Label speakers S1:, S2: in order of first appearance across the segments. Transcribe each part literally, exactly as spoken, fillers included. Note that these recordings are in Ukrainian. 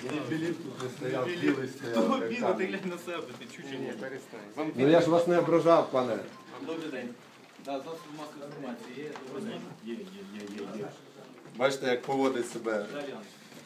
S1: Мені Філіп тут не стояв, білий стояв.
S2: Того біло, ти глянь на себе, ти чуть-чуть.
S3: Ні, перестань.
S1: Ну я ж вас не ображав, пане.
S2: Добрий день. Да, засоб масової інформації є. Добрий день. Є, є, є, є, є.
S1: Бачите, як поводить себе
S2: Далі.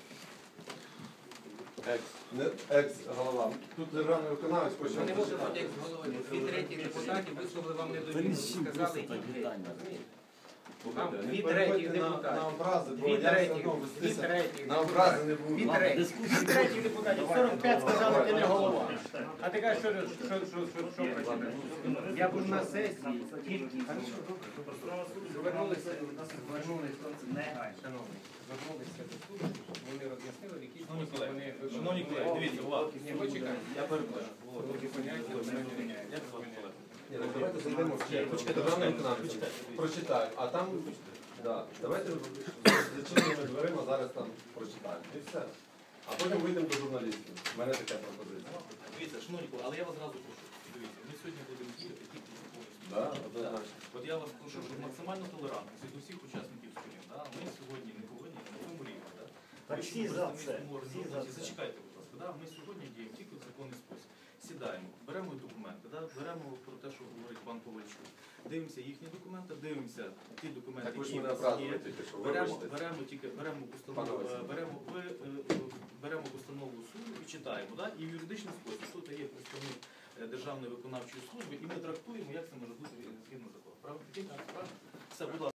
S1: екс, не екс-голова. Тут державний виконавець
S3: Ви
S1: почав.
S3: не можете бути як з голови. Дві треті депутатів висловили вам недовіру. Сказали, ідіть геть. Там дві треті
S1: на
S3: депутатів.
S1: образи, бо
S3: Дві
S1: я все
S3: треті,
S1: одно
S3: дві
S1: вестися
S3: треті.
S1: на образи не
S3: Дві
S1: буду.
S3: треті. Дві треті депутатів. сорок п'ять сказали, ти не голова. А ти кажеш, що, що, що, що, що працює? Я був на сесії, тільки звернулися, звернулися, шановні, звернулися до суду, вони роз'яснили, в якій
S2: Шановні
S3: спосіб
S2: колеги,
S3: вони...
S2: шановні колеги, дивіться, увага.
S3: Ні, почекайте.
S2: Я перепрошую.
S3: Такі поняття, вони не міняють.
S2: Як звати колегу?
S1: Ні, ну давайте зайдемо в чек.
S2: Почекайте,
S1: Державний
S2: почекайте,
S1: виконавець.
S2: почекайте.
S1: Прочитаю. А там, да, давайте з зачиненими дверима зараз там прочитаємо. І все. А потім вийдемо до журналістів. У мене така пропозиція.
S2: Дивіться, шановні колеги, але я вас зразу прошу. Дивіться, ми сьогодні будемо діяти тільки по закону.
S1: Да, однозначно.
S2: От я вас прошу, щоб максимально толерантність від усіх учасників сторін. Да? Ми сьогодні не повинні на цьому рівні. Да?
S4: Так
S2: Ви
S4: всі
S2: що,
S4: за
S2: представницькому
S4: це, всі
S2: організації,
S4: за це.
S2: Зачекайте, будь ласка. Да? Ми сьогодні діємо тільки в законний спосіб. Сідаємо, беремо документи, да? Беремо про те, що говорить пан Ковальчук. Дивимося їхні документи, дивимося ті документи,
S1: Так ви ж
S2: які
S1: мене
S2: в нас є.
S1: образили тільки що,
S2: Беремо,
S1: вибачте.
S2: беремо тільки беремо установу,
S1: Пане Василь.
S2: е, беремо, ви, е, беремо установу суду і читаємо. Да? І в юридичному спосіб тут є представник е, Державної виконавчої служби, і ми трактуємо, як це може бути згідно закону. Правда? Все, будь ласка.